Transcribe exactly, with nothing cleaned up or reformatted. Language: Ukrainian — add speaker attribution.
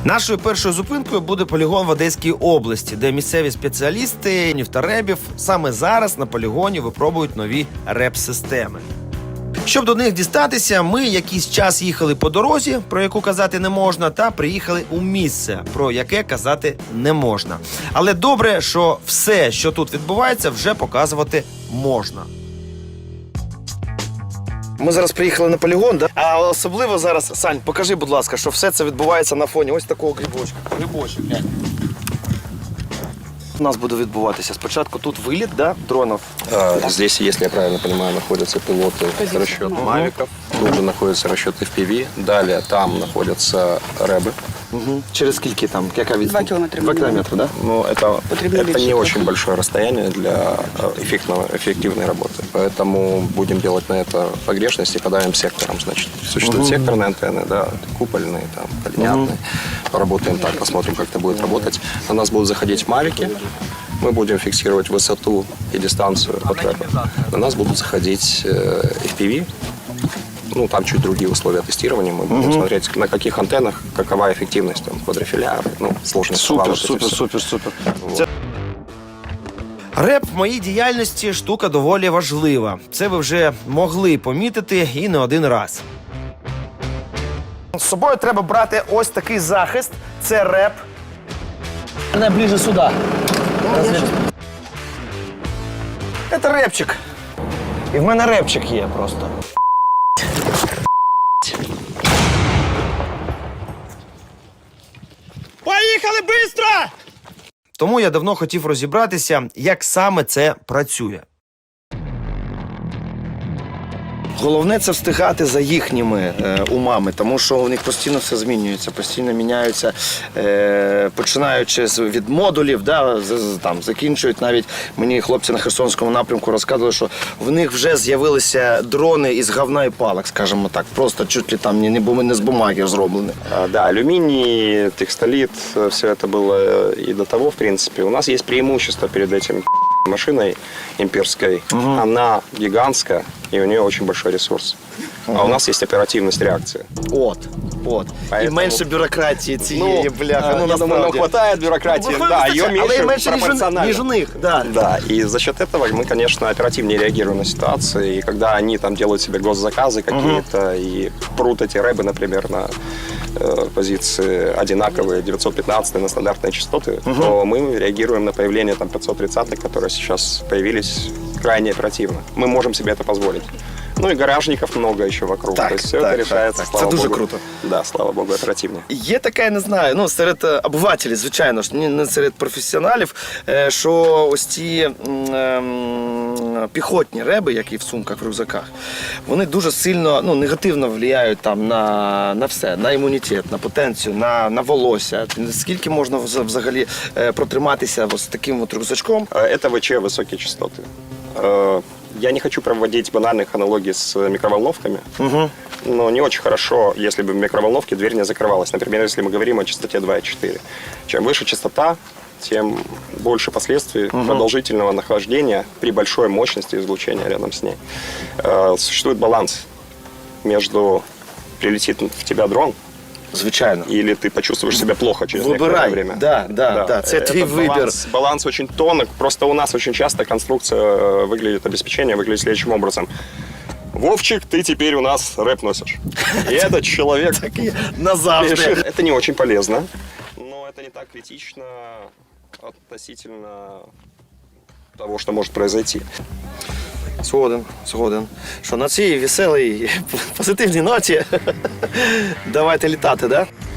Speaker 1: Нашою першою зупинкою буде полігон в Одеській області, де місцеві спеціалісти нефторебів саме зараз на полігоні випробують нові реп-системи. Щоб до них дістатися, ми якийсь час їхали по дорозі, про яку казати не можна, та приїхали у місце, про яке казати не можна. Але добре, що все, що тут відбувається, вже показувати можна. Ми зараз приїхали на полігон, да? А особливо зараз, Сань, покажи, будь ласка, що все це відбувається на фоні ось такого грибочка. Грибочок, глянь. У нас буде відбуватися спочатку тут виліт, да, дронів.
Speaker 2: А, здесь, если я правильно понимаю, находятся пилоты расчет мавиков, тут же находятся расчеты эф пи ви, далее там находятся рэбы.
Speaker 1: Угу. Через скільки там? Яка відстань?
Speaker 3: Два километра.
Speaker 1: Два километра, да?
Speaker 2: Но это,
Speaker 3: Потребляли
Speaker 2: это не
Speaker 3: еще
Speaker 2: очень большое расстояние для эффективного, эффективной работы. Поэтому будем делать на это погрешности, подавим сектором. Значит, существуют
Speaker 1: Угу.
Speaker 2: секторные антенны, да, купольные, там, полинятные. Угу. Поработаем так, посмотрим, как это будет работать. На нас будут заходить мавики. Мы будем фиксировать высоту и дистанцию от рэпа. На нас будут заходить эф пи ви. Ну, там чуть другие условия тестирования. Мы будем угу. смотреть, на каких антеннах, какова эффективность, там, квадрофиляр, ну, сложность.
Speaker 1: Супер, супер, супер, супер. Вот. Реп в моїй діяльності штука доволі важлива. Це ви вже могли помітити і не один раз. З собою треба брати ось такий захист. Це реп.
Speaker 4: Она ближе сюда.
Speaker 1: Це репчик. І в мене репчик є просто. Поїхали швидко! Тому я давно хотів розібратися, як саме це працює. Головне – це встигати за їхніми е, умами, тому що у них постійно все змінюється, постійно міняються, е, починаючи від модулів, да, з, з, там, закінчують навіть, мені хлопці на Херсонському напрямку розказували, що в них вже з'явилися дрони із говна і палок, скажімо так, просто чуть ли там не, не з бумаги зроблені.
Speaker 2: А, да, алюминий, текстолит, все это было и до того, в принципе. У нас есть преимущество перед этим машиной имперской. Угу. Она гигантская, и у нее очень большой ресурс. Угу. А у нас есть оперативность реакции.
Speaker 1: От, от. Поэтому... І менше бюрократії цієї,
Speaker 2: ну,
Speaker 1: бляха. Ну,
Speaker 2: я думаю, нам хватает бюрократии, ну, да, ее меньше,
Speaker 1: меньше
Speaker 2: пропорционально.
Speaker 1: Ніж у них, да.
Speaker 2: Да, и за счет этого мы, конечно, оперативнее реагируем на ситуации. И когда они там делают себе госзаказы какие-то угу. и прут эти рэбы, например, на э, позиции одинаковые, девятьсот пятнадцать на стандартные частоты, угу. то мы реагируем на появление там пятьсот тридцатых, которые сейчас появились, крайне оперативно. Мы можем себе это позволить. Ну и гаражників много еще вокруг.
Speaker 1: Так,
Speaker 2: то есть все
Speaker 1: так,
Speaker 2: это решается,
Speaker 1: так,
Speaker 2: слава
Speaker 1: це дуже
Speaker 2: Богу.
Speaker 1: круто.
Speaker 2: Да, слава Богу, оперативнее.
Speaker 1: Є таке, я не знаю, ну, серед обивателів, звичайно ж, не серед професіоналів, що ось ці ем, піхотні реби, які в сумках, в рюкзаках, вони дуже сильно, ну, негативно впливають там на, на все, на імунітет, на потенцію, на, на волосся. Скільки можна взагалі протриматися ось таким от рюкзачком?
Speaker 2: Это ВЧ высокие частоты. Я не хочу проводить банальных аналогий с микроволновками, угу. но не очень хорошо, если бы в микроволновке дверь не закрывалась. Например, если мы говорим о частоте два и четыре. Чем выше частота, тем больше последствий угу. продолжительного нахождения при большой мощности излучения рядом с ней. Существует баланс между прилетит в тебя дрон,
Speaker 1: звичайно.
Speaker 2: Или ты почувствуешь себя плохо через
Speaker 1: Выбирай.
Speaker 2: некоторое время.
Speaker 1: Да, да, да. да. Это твой выбор.
Speaker 2: Баланс, баланс очень тонок. Просто у нас очень часто конструкция выглядит, обеспечение выглядит следующим образом. Вовчик, ты теперь у нас рэп носишь. И этот человек
Speaker 1: назавжди.
Speaker 2: Это не очень полезно, но это не так критично относительно того, что может произойти.
Speaker 1: Згоден, згоден. Що на цій веселій, позитивній ноті давайте літати, да?